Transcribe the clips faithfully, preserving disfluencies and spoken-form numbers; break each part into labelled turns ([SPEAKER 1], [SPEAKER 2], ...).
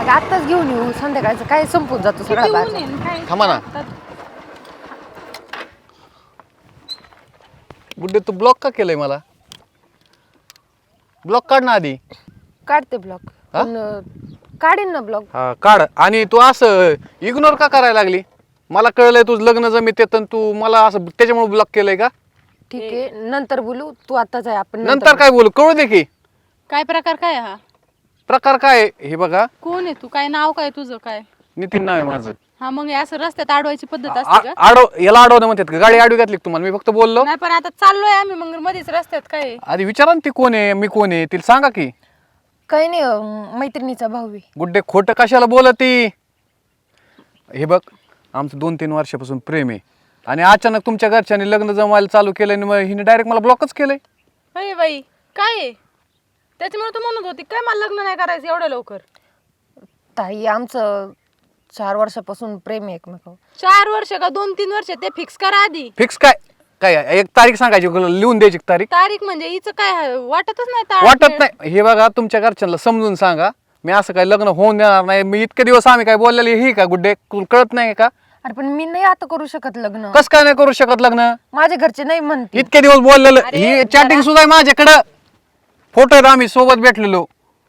[SPEAKER 1] आत्ताच घेऊन येऊ, संध्याकाळचं काय संपून जातो सगळा
[SPEAKER 2] किती ऊन
[SPEAKER 1] बाजार.
[SPEAKER 2] आहे न काय
[SPEAKER 3] थांबा ना.
[SPEAKER 2] आता
[SPEAKER 3] गुड्डे तू ब्लॉक का केलंय मला? ब्लॉक काढ ना आधी.
[SPEAKER 1] काढते ब्लॉक.
[SPEAKER 3] हा?
[SPEAKER 1] पण अं, काढीन ना ब्लॉक.
[SPEAKER 3] हा काढ. आणि तू असं इग्नोर का करायला लागली? मला कळलंय तुझं लग्न जमीत येतं तू मला असं त्याच्यामुळे ब्लॉक केलंय का?
[SPEAKER 1] ठीक आहे, नंतर बोलू. तू आत्ताच आहे, आपण
[SPEAKER 3] नंतर काय बोलू? कळू दे की
[SPEAKER 2] काय प्रकार काय हा?
[SPEAKER 3] प्रकार काय आहे. हे बघा,
[SPEAKER 2] कोण आहे तू? काय नाव काय तुझं? काय
[SPEAKER 3] नितीन नाव आहे माझं.
[SPEAKER 2] हा मग हे असं रस्त्यात अडवायची पद्धत
[SPEAKER 3] आ-
[SPEAKER 2] असते का?
[SPEAKER 3] आडव याला अडवणं म्हणतात का? गाडी आडवी घातली का तुम्हाला? मी फक्त बोललो.
[SPEAKER 2] नाही पण आता चाललोय आम्ही मग मध्येच रस्त्यात काय आहे?
[SPEAKER 3] आधी विचारा ना ती कोण आहे, मी कोण आहे, तिला सांगा की.
[SPEAKER 1] काही नाही, अं, मैत्रिणीचा भाऊ आहे.
[SPEAKER 3] गुड्डे खोटं कशाला बोलती? हे बघ, आमचं दोन तीन वर्षापासून प्रेम आहे आणि अचानक तुमच्या घरच्यांनी लग्न जमायला चालू केलं आणि मग हिने डायरेक्ट मला ब्लॉकच केलंय.
[SPEAKER 2] अरे बाई काय आहे? त्याच्यामुळे तू म्हणत होती काय मला लग्न नाही करायचं एवढं लवकर?
[SPEAKER 1] ताई, आमचं चार वर्षापासून प्रेम आहे एकमेकावर.
[SPEAKER 2] चार वर्ष का दोन तीन वर्ष ते फिक्स करा आधी.
[SPEAKER 3] फिक्स काय काय एक तारीख सांगायची, लिहून द्यायची तारीख.
[SPEAKER 2] तारीख म्हणजे हिचं काय आहे? वाटतच नाही तारीख
[SPEAKER 3] वाटत
[SPEAKER 2] वेळ.
[SPEAKER 3] नाही. हे बघा, तुमच्या घरच्यांना समजून सांगा, मी असं काय लग्न होऊन देणार नाही. मी इतके दिवस आम्ही काय बोललेली ही का गुड्डे, तुला कळत नाही का?
[SPEAKER 1] अरे पण मी नाही आता करू शकत लग्न.
[SPEAKER 3] कस काय नाही करू शकत लग्न?
[SPEAKER 1] माझे घरचे नाही म्हणते.
[SPEAKER 3] इतके दिवस बोललेलं,
[SPEAKER 2] अरे,
[SPEAKER 3] ही
[SPEAKER 2] जरा-
[SPEAKER 3] चॅटिंग सुद्धा आहे माझ्याकडं. फोटो आहेत आम्ही सोबत भेटलेलो.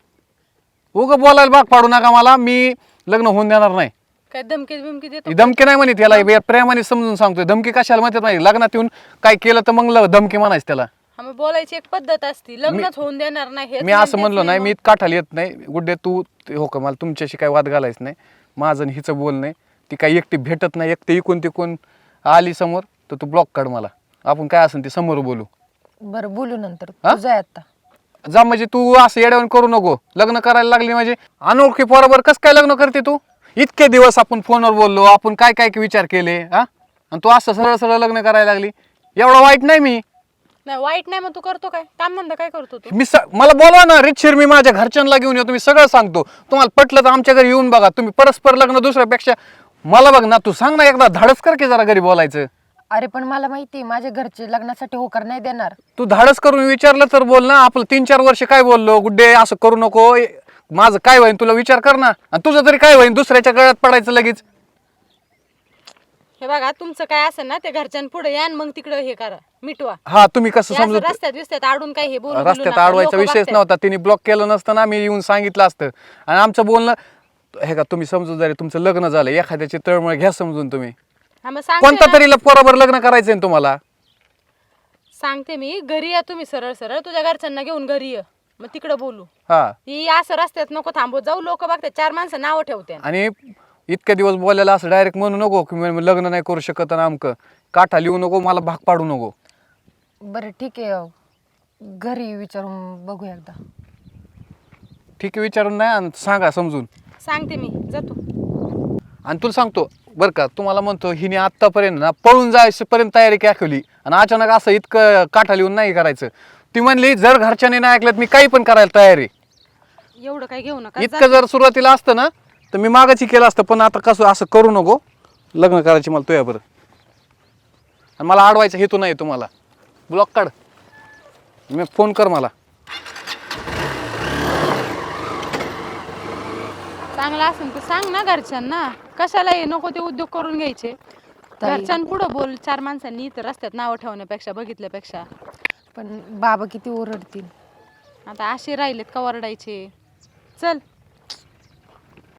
[SPEAKER 3] उग बोलायला भाग पाडू नका मला. मी लग्न होऊन देणार नाही.
[SPEAKER 2] काय धमकी बिमकी देतो?
[SPEAKER 3] ही धमकी नाही म्हणत याला, हे प्रेमाने समजून सांगतोय. धमकी कशाला म्हणतात नाही. लग्नात येऊन काय केलं तर मग ल- धमकी म्हणायचं त्याला.
[SPEAKER 2] हा मग बोलायची एक पद्धत असती. लग्नच होऊन देणार नाही हेच
[SPEAKER 3] मी असं
[SPEAKER 2] म्हणतेच
[SPEAKER 3] म्हणलो नाही,
[SPEAKER 2] मग.
[SPEAKER 3] मी काठाला येत नाही. गुड्डे तू ते- हो का, मला तुमच्याशी काय वाद घालायचं नाही. माझं आणि हिचं बोल नाही. ती काही एकटी भेटत नाही. एकटी इकून तिकून आली समोर तर तू ब्लॉक काढ मला. आपण काय असेल ते समोर बोलू.
[SPEAKER 1] बरं, बोलू नंतर.
[SPEAKER 3] हा?
[SPEAKER 1] तुझं आहे आता.
[SPEAKER 3] जा म्हणजे तू असं येड्यावून करू नको. लग्न करायला लागली म्हणजे अनोळखी पोराबर कसं काय लग्न करते तू? इतके दिवस आपण फोनवर बोललो, आपण काय काय विचार केले हा, आणि तू असं सरळ सरळ लग्न करायला लागली. एवढं वाईट नाही मी.
[SPEAKER 2] नाही वाईट नाही मग तू करतो काय? काम धंदा काय करतो तू?
[SPEAKER 3] मी स मला बोलवा ना रितशीर, मी माझ्या घरच्यांना घेऊन येतो. मी सगळं सांगतो. तुम्हाला पटलं तर आमच्या घरी येऊन बघा. तुम्ही परस्पर लग्न दुसऱ्यापेक्षा मला बघ ना. तू सांग ना एकदा, धाडस कर की जरा घरी बोलायचं.
[SPEAKER 1] अरे पण मला माहिती आहे, माझे घरचे लग्नासाठी होकार नाही देणार.
[SPEAKER 3] तू धाडस करून विचारलं तर बोल ना. आपलं तीन चार वर्ष काय बोललो, गुड्डे असं करू नको, माझं काय होईन तुला विचार कर ना. आणि तुझं तरी काय होईन, दुसऱ्याच्या गळ्यात पडायचं लगेच.
[SPEAKER 2] हे बघा तुमचं काय असेल ना ते घरच्यांपुढे या आणि मग तिकडे हे करा, मिटवा.
[SPEAKER 3] हा तुम्ही कसं
[SPEAKER 2] हे असं
[SPEAKER 3] समजत,
[SPEAKER 2] रस्त्यात विस्त्यात आडून काय हे बोलू बिलू
[SPEAKER 3] रस्त्यात
[SPEAKER 2] नका.
[SPEAKER 3] अडवायचा
[SPEAKER 2] लोकं
[SPEAKER 3] विषयच
[SPEAKER 2] बघतात.
[SPEAKER 3] नव्हता. तिने ब्लॉक केलं नसतं ना, मी येऊन सांगितलं असतं. आणि आमचं बोलणं हे का, तुम्ही समजूतदारी, तुमचं लग्न झालं, एखाद्याची तळमळ घ्या समजून. तुम्ही
[SPEAKER 2] हा मग सांगते
[SPEAKER 3] कोणता
[SPEAKER 2] ना.
[SPEAKER 3] तरी बरोबर लग्न करायचंय ना तुम्हाला.
[SPEAKER 2] सांगते मी, घरी या तुम्ही सरळ सरळ तुझ्या घरच्यांना घेऊन घरी ये, मग तिकडे बोलू.
[SPEAKER 3] हा,
[SPEAKER 2] ही असं रस्त्यात नको थांबवत जाऊ. लोक बघतात, चार माणसं नाव ठेवते.
[SPEAKER 3] आणि इतक्या दिवस बोलायला असं डायरेक्ट म्हणू नको की मी लग्न नाही करू शकत आणि आमकं. काठा लिहू नको, मला भाग पाडू नको.
[SPEAKER 1] बरं ठीक आहे, घरी विचारून बघू एकदा.
[SPEAKER 3] ठीक आहे, विचारून नाही आणि सांगा समजून.
[SPEAKER 2] सांगते मी, जातो.
[SPEAKER 3] आणि तुला सांगतो बरं का, तुम्हाला म्हणतो हिने आत्तापर्यंत ना पळून जायपर्यंत तयारी दाखवली आणि अचानक असं इतकं काठा लिहून नाही करायचं. ती म्हणली जर घरच्याने नाही ऐकलं मी काही पण करायला तयार आहे.
[SPEAKER 2] एवढं काय घेऊ नका.
[SPEAKER 3] इतकं जर सुरुवातीला असतं ना तर मी मागाची केलं असतं, पण आता कसं असं करू नको. लग्न करायची मला तुझ्या बरं, आणि मला अडवायचा हेतू नाही तुम्हाला. ब्लॉक काढ, मी फोन कर मला.
[SPEAKER 2] चांगला असेल तर सांग ना घरच्यांना. कशाला हे नको ते उद्योग करून घ्यायचे.
[SPEAKER 1] ताई-
[SPEAKER 2] घरच्यांपुढं बोल, चार माणसांनी इथं रस्त्यात नावं ठेवण्यापेक्षा, बघितल्यापेक्षा.
[SPEAKER 1] पण बाबा किती ओरडतील.
[SPEAKER 2] आता असे राहिलेत का ओरडायचे. चल.